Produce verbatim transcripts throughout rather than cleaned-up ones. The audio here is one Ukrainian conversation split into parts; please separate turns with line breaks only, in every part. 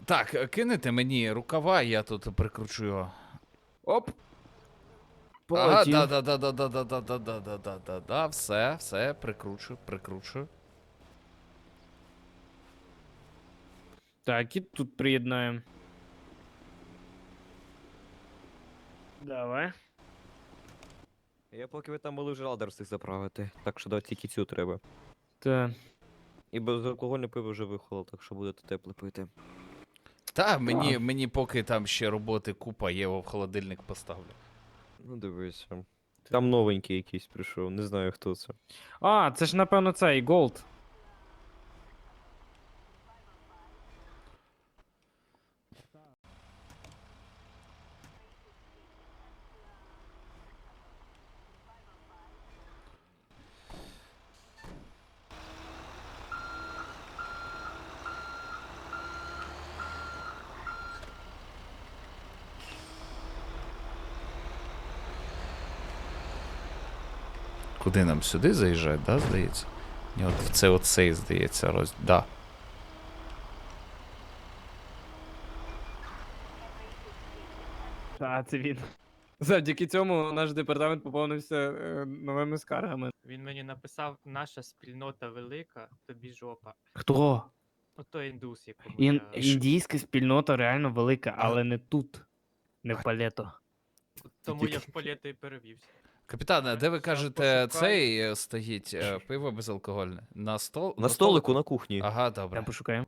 Так, кинете мені рукава, я тут прикручу його.
Оп.
Ага,
Полетів.
да, да, да, да, да, да, да, да, да, да, да, да, да, все, все, прикручу, прикручу.
Так, і тут приєднаємо. Давай.
Я поки ви там були вже ладер встиг заправити, так що да, тільки цю треба.
Так.
І безалкогольне пиво вже вихоло, так що будете тепле пити.
Та, мені, мені поки там ще роботи купа, я його в холодильник поставлю.
Ну дивися. Там новенький якийсь прийшов, не знаю хто це.
А, це ж напевно цей Голд.
Куди нам сюди заїжджати, да, здається? Ні, от в це оцей, здається, роз... Да.
А, це він. Завдяки цьому наш департамент поповнився е, новими скаргами.
Він мені написав, наша спільнота велика, тобі жопа.
Хто?
Ото індус, якому
Ін...
я...
Індійська спільнота реально велика,
А-
але не тут. Не в палето.
Тому я в політо і перевівся.
Капітане, а де ви
Щас
кажете,
пошукаю.
цей е, стоїть е, пиво безалкогольне? На стол?
На столику на кухні.
Ага, добре.
Я пошукаю.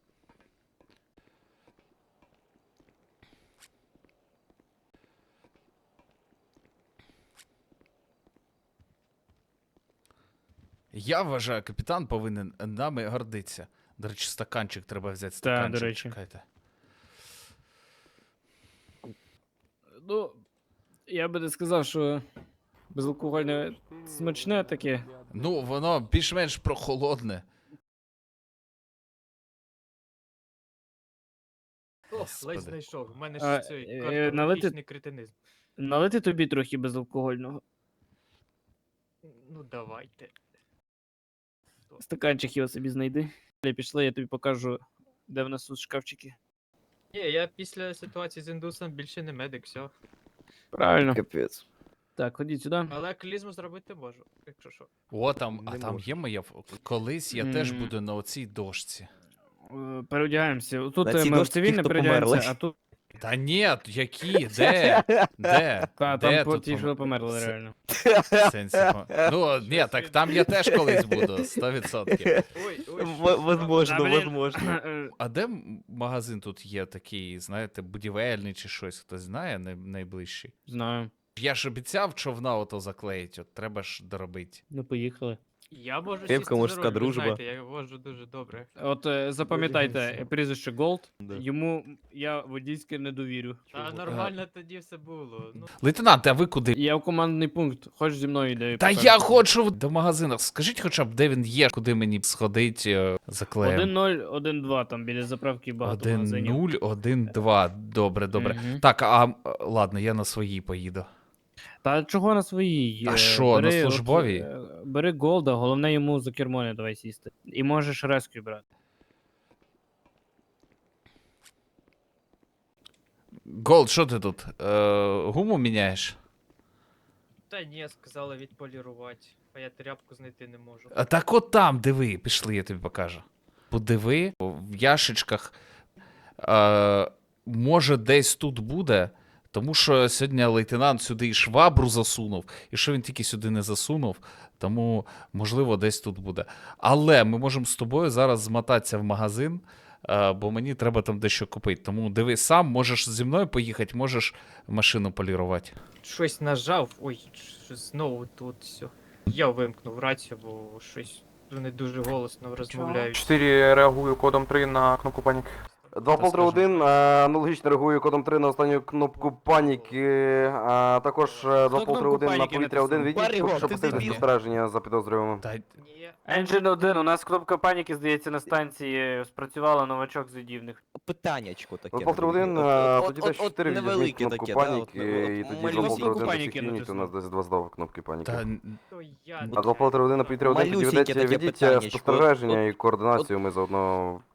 Я вважаю, капітан повинен нами гордитися. До речі, стаканчик треба взяти.
Та,
Стаканчик,
до речі.
чекайте.
Ну, я би не сказав, що безалкогольне смачне таке.
Ну, воно більш-менш прохолодне.
О,
Господи.
ледь знайшов. У мене
А,
ж цей
е,
картографічний
налити-
кретинизм.
Налити тобі трохи безалкогольного.
Ну давайте.
Стаканчик його собі знайди. Далі пішли, я тобі покажу, де в нас тут шкафчики.
Ні, я після ситуації з індусом більше не медик, все.
Правильно.
Капець.
Так, ходіть сюди.
Але клізму зробити можу, якщо що.
О, там, а
Не
там
можу.
є моя. ф- Колись я теж
М.
буду на оцій дошці.
Е, Переодягаємося. Тут
На
е,
цій
ми в
дошці ті,
цивільне
хто
переодягаємося,
померли.
а тут.
Та ні, які? Де? Де?
Та,
Де
там по
тут
ті,
пом-
що померли
Це-
реально.
в сенсі пом- Ну, ні, так там я теж колись буду, сто відсотків.
Ой, ой,
В-
що
Возможно,
А, блін.
возможно.
Е,
А де м- магазин тут є такий, знаєте, будівельний чи щось, хтось знає най- найближчий?
Знаю.
Я ж обіцяв човна ото заклеїть, от треба ж доробити.
Ну, поїхали.
Я можу
Крепка
сісти за
мужська
руль, ви
дружба.
знаєте, я вожу дуже добре.
От е, запам'ятайте е, прізвище Голд.
Да.
Йому я водійське не довірю.
Та нормально тоді все було. Ну,
Лейтенант, а ви куди?
Я в командний пункт. Хочеш зі мною йде.
Та я хочу до магазину. Скажіть хоча б, де він є, куди мені сходить е, заклеєм.
один ноль один два, там біля заправки багато
Один
магазинів.
нуль, один два. Добре, добре.
Мгм.
Так, а м, ладно, я на своїй поїду.
Та чого на своїй?
А
Е,
що, на
бери от,
службовій?
е, Бери Голда, головне йому за кермо не давай сісти. І можеш резкю брати.
Голд, що ти тут? Е, гуму міняєш?
та ні, сказали відполірувати, а я тряпку знайти не можу.
А так от там, диви, пішли, я тобі покажу. Подиви, в яшичках. Е, може, десь тут буде, тому що сьогодні лейтенант сюди і швабру засунув, і що він тільки сюди не засунув, тому, можливо, десь тут буде. Але ми можемо з тобою зараз змотатися в магазин, е, бо мені треба там дещо купити. Тому диви сам, можеш зі мною поїхати, можеш машину полірувати.
Щось нажав, ой, щось знову тут все. Я вимкнув рацію, бо щось вони дуже голосно розмовляють.
чотири реагую кодом три на кнопку паніки.
два полтора один, аналогічно реагую кодом три на останню кнопку паніки, а також два полтора один на
паніки
повітря один
натиснув?
відійдіть,
Баріго,
щоб
ти
посилити
дебіл.
спостереження за підозрюваним.
Та,
Ні,
Engine один, у нас кнопка паніки, здається, на станції спрацювала новачок задівних.
Питаннячко таке.
два полтора один,
невелике. От-
тоді
от-
десь
от
чотири відвізьміть
невелике
кнопку
таке, да, от-
паніки, і
от
тоді
малюсіньку
два полтора один
паніки
досягніть, у нас
натиснув.
десь два здав кнопки паніки.
та,
то я
А два полтора один на повітря один тоді
Малюсіньке
ведеться,
таке
ведіть
питаннячко.
спостереження
От-
і координацію, ми заодно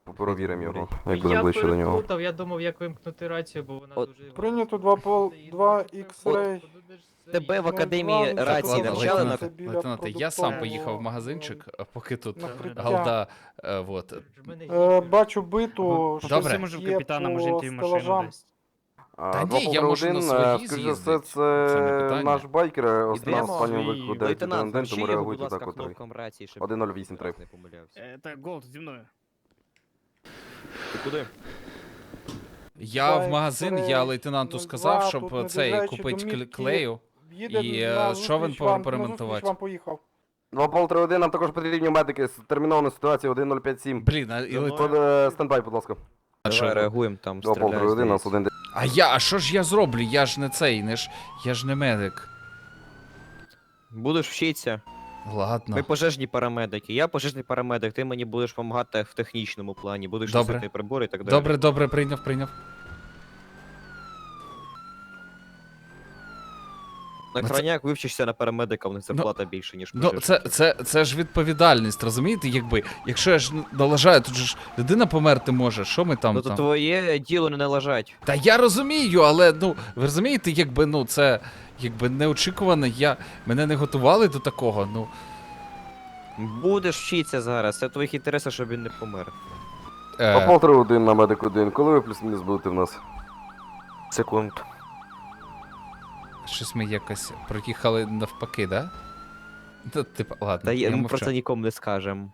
Провіримо його, як
Я
будемо ближче до нього.
переплутав, я думав, як вимкнути рацію, бо вона
От
дуже...
Прийнято два пол- два X-ray.
Тебе в
От,
академії
два,
рації
Ладно,
навчали на...
лейтенант,
біля
лейтенанте, я сам
продуктового,
поїхав в магазинчик, а поки тут
накриття.
Галда, е, вот.
Е, бачу биту,
Добре.
щось
Може, в
є
капітана, може,
по
йти в машину
стелажам.
десь.
А,
Та
два
ні,
полтора
я можу на
один,
своїй
е, скоріше за все,
з'їздить, це не
це
питання.
наш байкер, е, останній
Йдемо.
останній
Свій
виклик дев'ять
Лейтенант,
один,
навчи
тому
його, будь
реагуйте
ласка,
так, котрий.
кнопкам рації, щоб
один нуль вісім три.
не помилявся.
Е, Так, Голд, зі мною.
Ти куди?
Я в
Байк,
магазин, я
Фрей,
лейтенанту
ну,
сказав,
два,
щоб
тут
е,
не
цей
доїжджаючи
купити
до
кле-
мітки,
клею.
Їде
І,
на
е, що він
зустріч
повинен
вам, на
поремонтувати?
зустріч вам поїхав.
два полтора один, нам також потрібні медики з термінової ситуації один нуль п'ять сім.
Блін, а, і
Давно.
лейтенант-
Код е, стендбай, будь ласка.
що
Давай
я-
реагуємо, там
два полтора
стріляють.
один, нас
здається.
один.
А я, а що ж я зроблю? Я ж не цей, не ж, я ж не медик.
Будеш вчитися.
Ладно.
Ми пожежні парамедики. Я пожежний парамедик, ти мені будеш допомагати в технічному плані, будеш
Добре.
носити прибори і так далі.
Добре, добре, прийняв, прийняв.
На
Ну, це-
крайняк вивчишся на парамедика, в них зарплата більше, ніж
Ну,
пожежників.
це, це, це ж відповідальність, розумієте? Якби, якщо я ж налажаю, тут же ж людина померти може, що ми там
Ну то
там?
твоє діло не налажать.
Та я розумію, але ну, ви розумієте, якби ну це якби неочікувано, я мене не готували до такого. Ну
Будеш вчитися зараз, це в твоїх інтересах, щоб він не помер.
Два
е,
полтора один на медик один. Коли ви плюс-мінус будете в нас?
Секунд.
щось ми якось проїхали навпаки, да? Та, типа, ладно,
Та
я
є, ми
мовчу.
про це нікому не скажемо.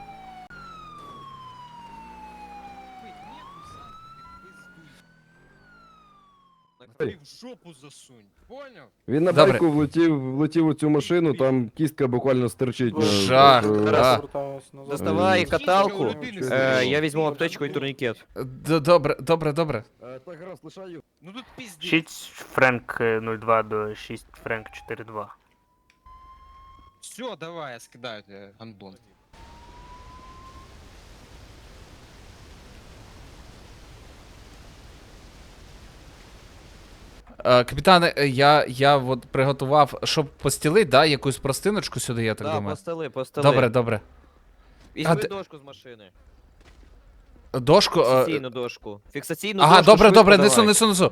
В жопу засунь, поняв?
Він на
Добре.
байку влетів, влетів у цю машину, там кістка буквально стерчить.
Ой,
Жах,
Е,
да.
Зараз повертаюсь назад.
Доставай
Е,
каталку,
Е,
е, я візьму аптечку і турнікет.
Д- Добре, добре, добре.
е, Так, раз, лишаю.
Ну тут піздець.
шість Френк е, нуль два до шість Френк чотири два.
Все, давай, я скидаю тебе, гандон.
Е, капітане, е, я, я от приготував, щоб постілити, да, якусь простиночку сюди, я так
Да,
думаю.
постели, постели.
Добре, добре.
Візьми
А де-
дошку з машини.
Дошку. е,
Фіксаційну дошку. Фіксаційну
Ага,
дошку,
добре,
швидко
добре,
давай.
несу, несу, несу.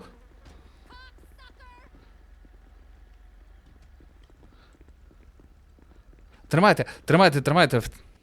Тримайте, тримайте, тримайте.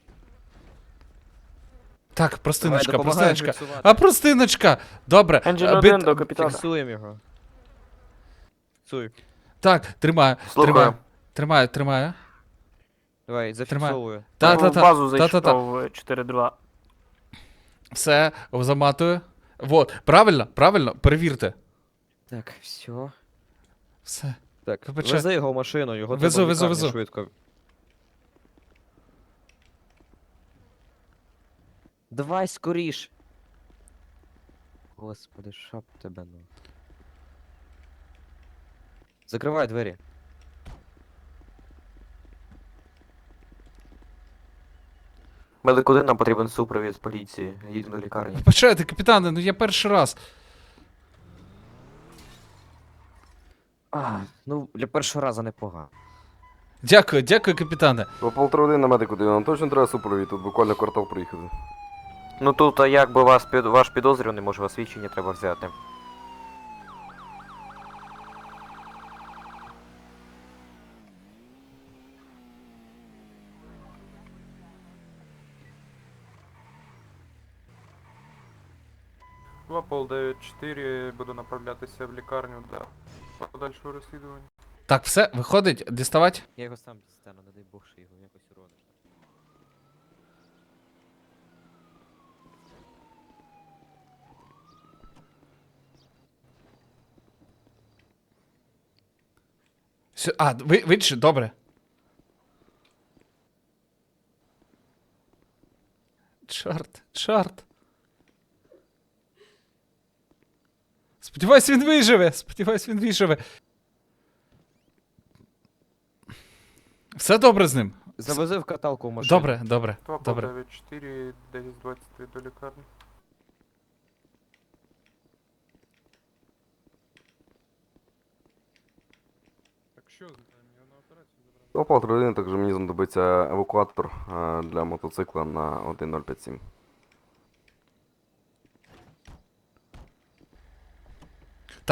Так,
Давай,
простиночка,
допомагай
простиночка.
фіксувати.
А простиночка! Добре.
Енджин
е,
один
бит-
до капітана.
Фіксуємо його. Фіксуй.
Так, тримаю,
Слухаю.
тримаю, тримаю, тримаю.
Давай, зафіксовую.
Та,
В
та, та,
базу
та, та, та.
зайшов чотири два.
Все, заматую. Вот, правильно, правильно, перевірте.
Так, все.
Все.
Так,
Вибачай.
вези його в машину, його
Везу,
треба в
везу,
лікарню
везу.
швидко. Давай скоріш. Господи, шап тебе ну. Закривай двері. Медик один, нам потрібен супровід з поліції. Їдемо до лікарні.
Вибачайте, капітане, ну я перший раз.
А, ну, для першого разу непогано.
Дякую, дякую, капітане.
Два полтора один на медик один. Нам точно треба супровід, тут буквально квартал проїхати.
Ну тут, а якби вас під ваш підозрюваний, може вас свідчення треба взяти.
два пол дев'ять чотири, буду направлятися в лікарню для подальшого розслідування.
Так, все, виходить, діставати?
Я його сам дістану, не дай Бог, що його якось урониш.
Сю- А, ви, ви чи- добре. Чорт, чорт. Сподіваюсь, він виживе. Сподіваюсь, він виживе. Все добре з ним.
Завези в каталку в машину.
Добре, добре,
два пол
добре.
дев'ять чотири, десять двадцять три до лікарні.
Так що, я на операцію забрав.
Два полтора один, також мені знадобиться евакуатор е, для мотоцикла на один нуль п'ять сім.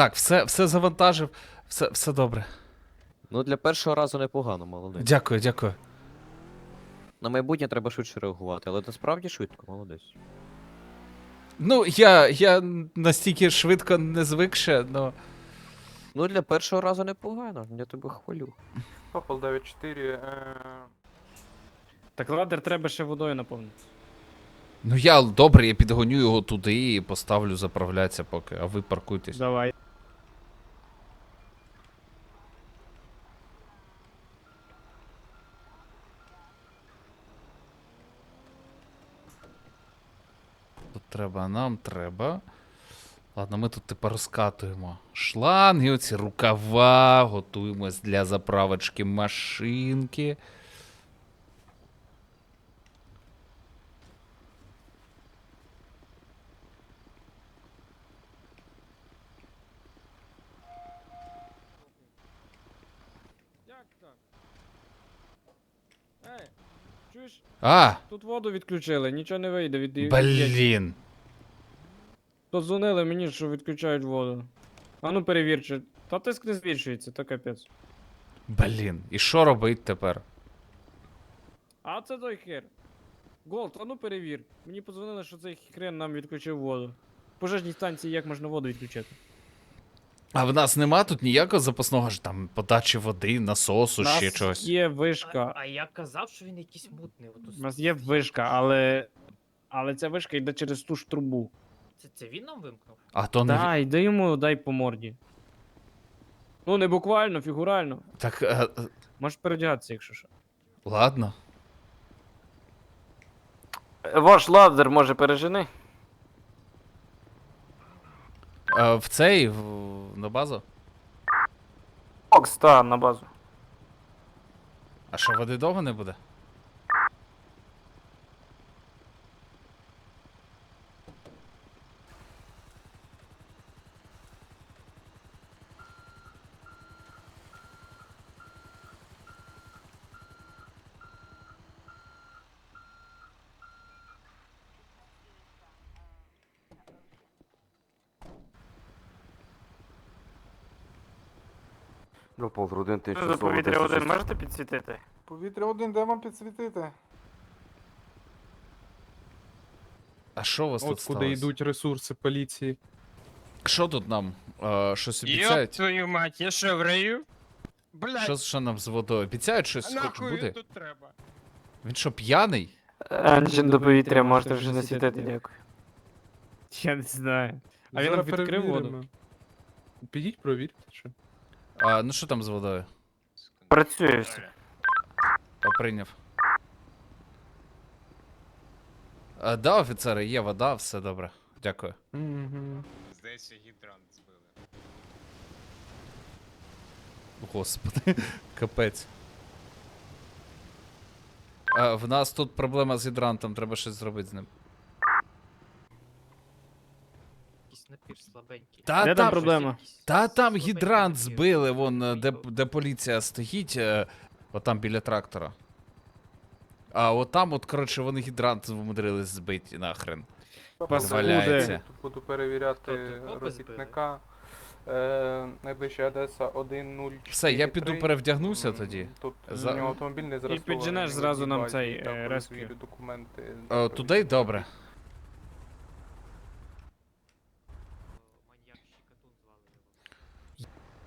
Так, все, все завантажив, все, все добре.
Ну, для першого разу непогано, молодець.
Дякую, дякую.
На майбутнє треба швидше реагувати, але насправді швидко, молодець.
Ну, я, я настільки швидко не звик ще, но...
Ну, для першого разу непогано, я тебе хвалю.
Попал дев'ять чотири. Е...
Так ладер треба ще водою наповнити.
Ну я, добре, я підгоню його туди і поставлю заправлятися поки, а ви паркуйтесь.
Давай.
Тут треба, нам треба. Ладно, ми тут тепер розкатуємо шланги, оці рукава, готуємось для заправочки машинки.
Як так? Ей, чуєш?
А,
Тут воду відключили, нічого не вийде від від-
блін.
Подзвонили мені, що відключають воду. А ну перевір, чи. Та тиск не збільшується, то капець.
Блін. І що робить тепер?
А це той хер. Голд, а ну перевір. Мені подзвонили, що цей хрен нам відключив воду. В пожежній станції як можна воду відключити?
А в нас нема тут ніякого запасного ж там подачі води, насосу,
У
ще
нас
чогось.
є
А,
вишка.
а я казав, що він якийсь мутний. От
У нас є вишка, але. Але ця вишка йде через ту ж трубу.
Це, це він нам вимкнув?
А то не. ві-
Дай, дай йому, дай по морді. Ну, не буквально, фігурально.
Так, е, е,
Можеш переодягатися, якщо що.
ладно.
Ваш ладер може пережени.
Е, в цей, в, на базу?
Бокс, та, на базу.
А що, води довго не буде?
Ну, полтора
Що за
тисяча
повітря один можете підсвітити?
Повітря один, де вам підсвітити?
А що у вас тут
От куди
сталося?
йдуть ресурси поліції.
Що тут нам? Е, щось
Ёб
обіцяють?
твою мать, я що, в раю? Блядь,
Що, що нам з водою? Обіцяють щось
а
хоч
нахуй
буде?
він тут треба?
Він що, п'яний?
Енджин до повітря можете вже не світити, дякую.
Я не знаю. А він нам відкрив воду.
Підіть, провірте, що.
А, ну що там з водою?
Працює все.
А, прийняв. А, да, офіцери, є вода, все добре. Дякую.
Угу.
Здається, гідрант збили.
Господи, капець. А, в нас тут проблема з гідрантом, треба щось зробити з ним.
Якийсь напір слабенький.
Та
Де
там
там проблема?
Якийсь
Та там
слабенький
гідрант
напір.
збили, вон, е, де,
Вийшов.
де поліція стоїть, е, отам біля трактора. А отам, от, коротше, вони гідрант вмудрились збити нахрен.
Паскуди.
Валяється.
Тут буду перевіряти
Хто тут?
робітника. Е, найближча Одеса один нуль чотири три.
Все, я піду перевдягнуся
М,
тоді.
Тут
За-
у нього автомобіль не зростований.
підженеш
в
зразу
одній
нам
базі,
цей,
я
е,
перевірю
rescue.
документи.
Е, туди добре.
Маньяк Щекотун звали його.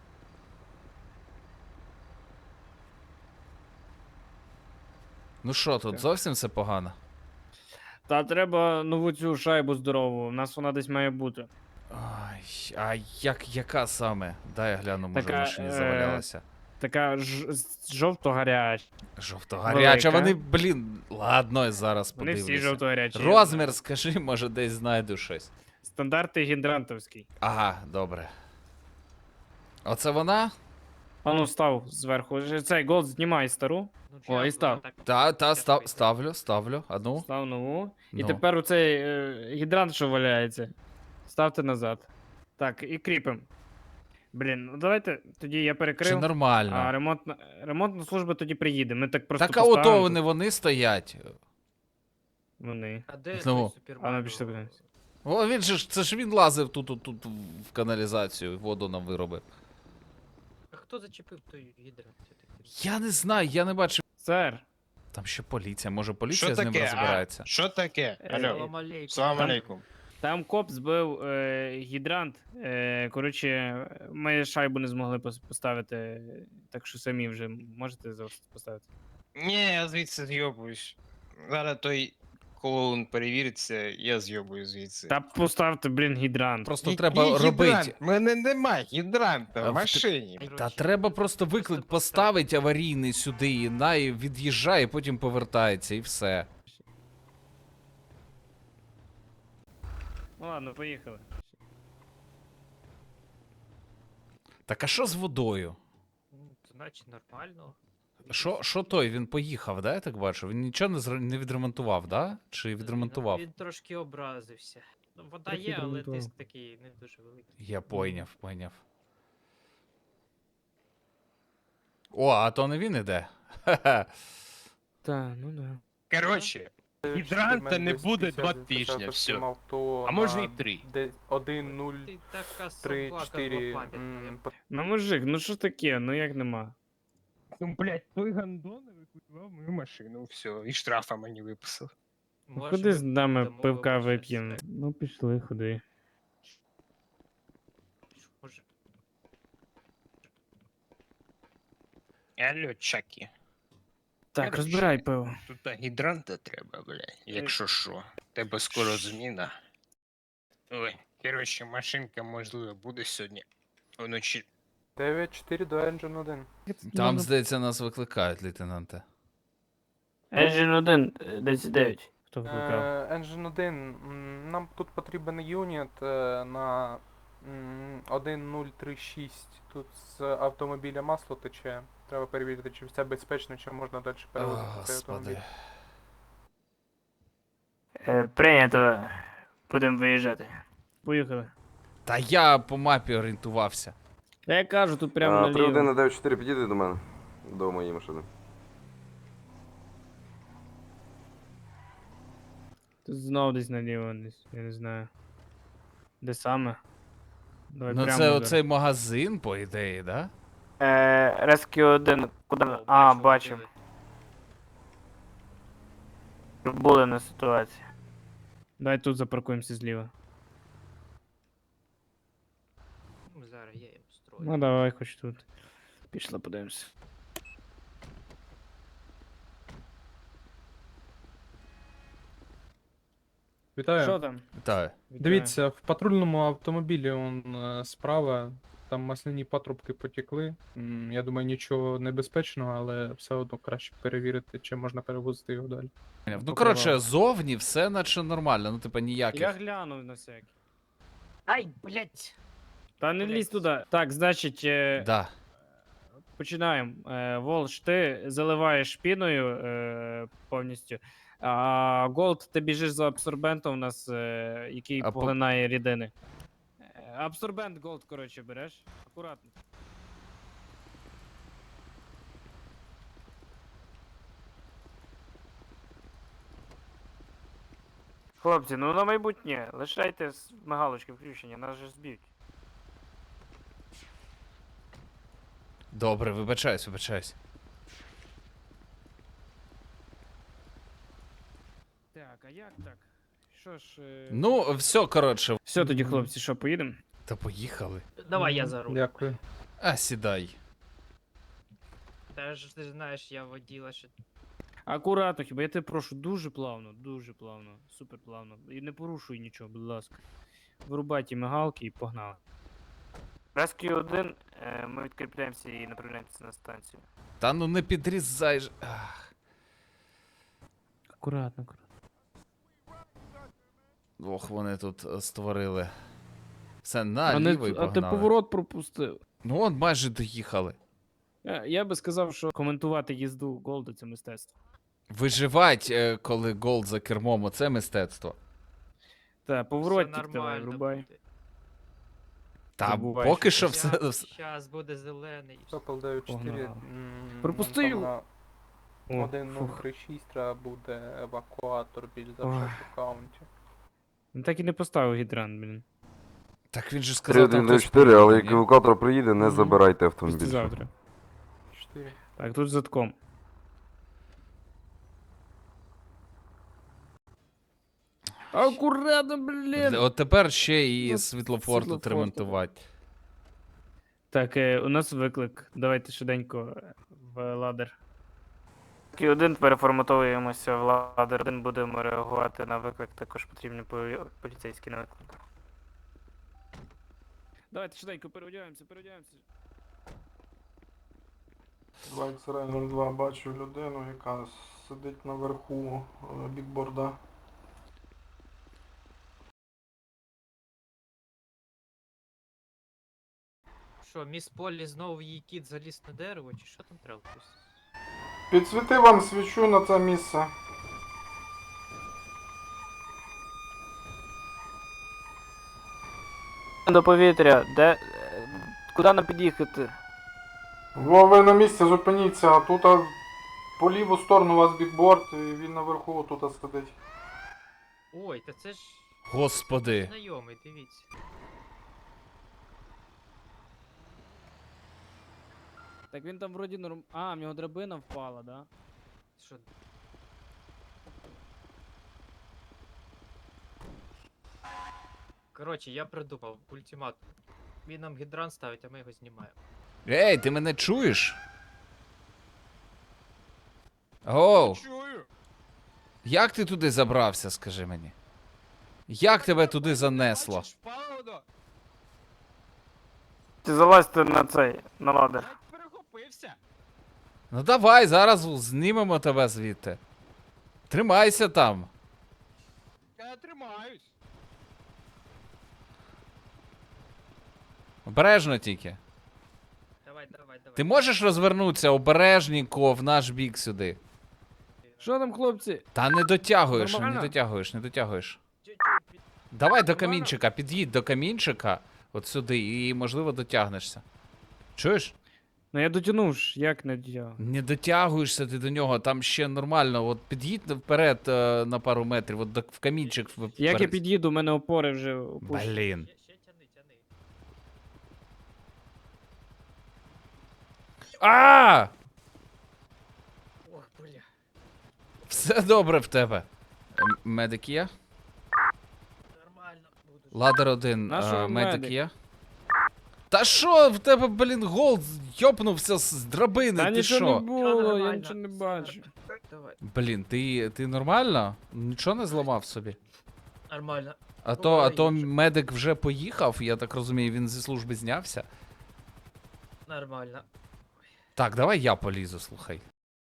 Ну що, тут
Так.
зовсім все погано?
Та треба нову цю шайбу здорову. У нас вона десь має бути.
Ай, а як, яка саме? Дай я гляну, може в
Така,
машині
е,
завалялася.
Така ж... жовто-гаряча.
Жовто-гаряча,
велика.
вони, блін, ладно, я зараз
Вони всі
подивлюся.
жовто-гарячі. я
Розмір,
знаю.
скажи, може десь знайду щось.
Стандарти гідрантовський.
Ага, добре. Оце вона?
А ну став зверху. Ж- Цей голд знімай стару.
Ну,
О,
чи
і
я-
став.
так-
Та, та,
я
став,
тобі-
ставлю, ставлю. А ну.
Став нову. І
Ну.
тепер оцей е, гідрант, що валяється. Ставте назад. Так, і кріпим. Блін, ну давайте тоді я
Чи
перекрив.
нормально?
А ремонтна, ремонтна служба тоді приїде. Ми так просто
Так а
поставимо
ото вони,
тут.
вони стоять.
Вони.
А де
Ну.
той Супермен?
А ну, пішли подивимось.
О, він же ж, це ж він лазив тут, тут, тут в каналізацію, воду нам виробив.
А хто зачепив той гідрант?
Я не знаю, я не бачив.
Сер,
Там ще поліція, може поліція
Що
з ним
таке?
розбирається.
А? Що таке?
Е,
Алло.
Салам алейкум.
Салам
Там-
алейкум.
там коп збив е, гідрант. Е, коротше, ми шайбу не змогли пос- поставити, так що самі вже можете зараз поставити.
Ні, я звідси зйобуюсь. Зараз той клоун перевіриться, я зйобую звідси.
Та поставте, блін, гідрант.
Просто
Який
треба
гідрант?
робити.
У мене немає гідранта
А в
в
те-
машині.
Та треба просто виклик поставити аварійний сюди, і най від'їжджає, потім повертається і все.
Ну ладно, поїхали.
Так а що з водою?
Ну, значить нормально.
Що, що той? Він поїхав, да, я так бачу? Він нічого не, зре- не відремонтував, да? Чи відремонтував?
Він трошки образився. Ну, вода
Трохи
є, але
відремонтував.
тиск такий не дуже великий.
Я пойняв, пойняв. О, а то не він іде. Ха-ха.
Та, ну да.
Коротше, гідранта не буде два тижні, все. А може і три.
один, нуль,
Ти така
три,
собака
чотири.
злопам'ятна.
Ну мужик, ну що таке? Ну як нема?
Ну, блядь, той гандон викупував мою машину, все, і штрафа мені виписав.
Ну,
Може,
ходи
ми
з нами
дамо
пивка
вам щось
вип'ємо. Ну пішли, ходи.
Може,
Алло, Чакі.
Так,
Короче.
розбирай пиво.
Тут та гідранта треба, блядь, якщо що. Тебе скоро зміна. Ой, коротше, машинка, можливо, буде сьогодні вночі.
дев'ять чотири до Engine один.
Там, здається, нас викликають, лейтенанте.
Engine один, десять дев'ять.
Хто викликав?
Е, Engine один, м, нам тут потрібен юніт е, на м, один нуль три шість. Тут з автомобіля масло тече. Треба перевірити, чи все безпечно, чи можна далі
О,
перевозити цей автомобіль.
Господи.
Е, прийнято. Будемо виїжджати.
Поїхали.
Та я по мапі орієнтувався.
Та я кажу, тут прямо
А, три один
наліво.
на дев'ять чотири підійди до мене. До моєї машини.
Тут знов десь наліво, десь, я не знаю. Де саме? Давай
Ну
прямо
це
зараз.
оцей магазин, по ідеї, да?
Е, Rescue один, куди?
О,
А,
бачу,
бачимо.
диви.
Були на ситуації.
Давай тут запаркуємося зліва.
Ну, зараз я їм строю.
Ну давай хоч тут. Пішли, подивимося.
Вітаю.
Що там?
Так.
Вітаю.
Дивіться, в патрульному автомобілі он е, справа, там масляні патрубки потекли. М, Я думаю, нічого небезпечного, але все одно краще перевірити, чи можна перевозити його далі.
Ну, коротше, зовні все наче нормально, ну, типа, ніяких.
Я глянув на всякий.
Ай, блядь!
Та не
Блядь.
лізь туди. Так, значить, е,
Да.
починаємо. Е, Волш, ти заливаєш піною е, повністю. А Голд, ти біжиш за абсорбентом у нас, е, який
А по-
поглинає рідини. Е, Абсорбент Голд, коротше, береш. Акуратно.
Хлопці, ну на майбутнє, лишайте с- мигалочки включені, нас же зб'ють.
Добре, вибачаюсь, вибачаюсь.
Так, а як так? Що ж. Е...
Ну, все, коротше.
Все тоді, хлопці, що, поїдемо?
Та поїхали.
Давай я за руль.
Дякую.
А, сідай.
Та ж ти знаєш, я воділа ще.
Акуратно, хіба я тебе прошу, дуже плавно, дуже плавно, супер плавно. І не порушуй нічого, будь ласка. Вирубай ті мигалки і погнали.
Rescue один, е, ми відкріпляємося і направляємося на станцію.
Та ну не підрізай ж. Ах.
Акуратно, акуратно.
Ох, вони тут е, створили. Все,
А,
наліво і
не, а ти
погнали.
поворот пропустив.
Ну, от майже доїхали.
Я, я би сказав, що коментувати їзду Голда це мистецтво.
Виживать, е, коли голд за кермом, оце мистецтво.
Та,
Все
поворотник давай,
нормально
врубай.
буде.
Та
Забувай,
поки
що
що все. все-
Щас буде зелений. і все.
Сокол дев'ять чотири.
Погнали.
м,
Пропусти
там
його.
на
О,
один нуль
фух.
три шість треба буде евакуатор більш за
Ой.
все в аккаунті.
Він так і не поставив гідрант, блін.
Так він же
три
сказав, там
один
хтось
чотири, але
приїде,
як
ні?
евакуатор приїде, не
Мгм.
забирайте автомобіль.
Післязавтра.
чотири.
Так, тут задком. Акуратно, блін!
От тепер ще і
Ну,
світлофор тут
світлофор
ремонтувати.
Так, е, у нас виклик. Давайте швиденько е, в ладер.
Q один переформатовуємося в ладер. Один будемо реагувати на виклик, також потрібні полі- поліцейські на виклик.
Давайте швиденько переодягаємося, переодягаємося.
два ікс ар нуль два бачу людину, яка сидить наверху е, бікборда.
Що, міс Полі знову її кіт заліз на дерево, чи що там треба?
Підсвіти вам свічу на це місце.
До повітря, де. е, Куди нам під'їхати?
Во, ви на місці зупиніться, а тут а, по ліву сторону у вас бікборд, і він наверху тут сидить.
Ой, та це ж
Господи.
знайомий, дивіться.
Так він там вроді норм... А, в нього драбина впала, да?
Що? Коротше, я придумав ультиматум. Він нам гідрант ставить, а ми його знімаємо.
Ей, ти мене чуєш? Оу,
Чую.
як ти туди забрався, скажи мені? Як тебе туди занесло?
Бачиш, Павло?
Ти залазьте на цей, на ладер.
Я перехопився.
Ну давай, зараз знімемо тебе звідти. Тримайся там.
Я тримаюсь.
Обережно тільки.
Давай, давай, давай.
Ти можеш розвернутися обережненько в наш бік сюди?
Що там, хлопці?
Та не дотягуєш, не
Нормально?
дотягуєш, не дотягуєш.
Чуть-чуть від-
Давай до
Нормально?
камінчика, під'їдь до камінчика, от сюди, і можливо дотягнешся. Чуєш?
Ну я дотягнув ж, як не дотягнув?
Не дотягуєшся ти до нього, там ще нормально. От під'їдь вперед е, на пару метрів, от до, в камінчик вперед.
Як я під'їду, у мене опори вже опущені.
Блін.
Ще, ще тяни, тяни.
А!
Ох, бля.
Все добре в тебе. М- Медик є?
Нормально. Буду.
Ладер один,
На що
е,
вам
медик
медик?
є? Та що в тебе, блін, голд йопнувся з драбини,
Та
ти
нічого не
що?
було, я
нормально,
нічого не
все
бачу.
Давай.
Блін, ти, ти нормально? Нічого не зламав собі?
Нормально.
А то, а то
Буває інше.
медик вже поїхав, я так розумію, він зі служби знявся.
Нормально.
Так, давай я полізу, слухай.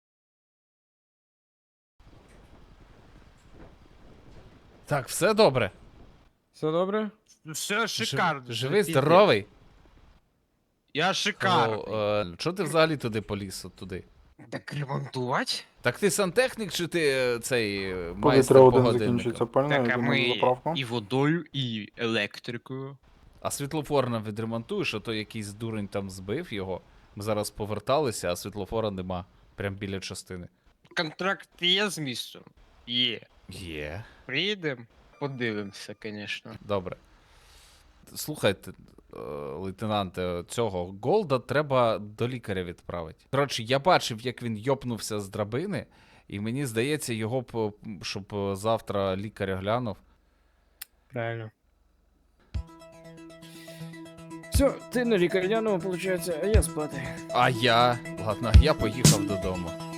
Так, все добре.
Все добре?
Все шикарно.
Жив- Живий, здоровий.
Я шикарний.
О, е, чого ти взагалі туди поліз от туди?
Так ремонтувати?
Так ти сантехнік чи ти е, цей е, майстер
Повітря
по
один
годинникам?
закінчується пальне,
Так, а
йдемо на
ми
заправку.
і водою, і електрикою.
А світлофор нам відремонтуєш, а то якийсь дурень там збив його. Ми зараз поверталися, а світлофора нема. Прям біля частини.
Контракт є з містом? Є.
Є.
Приїдемо, подивимося, звісно.
Добре. Слухайте, е, лейтенанте, цього Голда треба до лікаря відправити. Коротше, я бачив, як він йопнувся з драбини, і мені здається, його б, щоб е, завтра лікар глянув.
Правильно. Все, ти на лікарняному, виходить, а я спати.
А я. Ладно, я поїхав додому.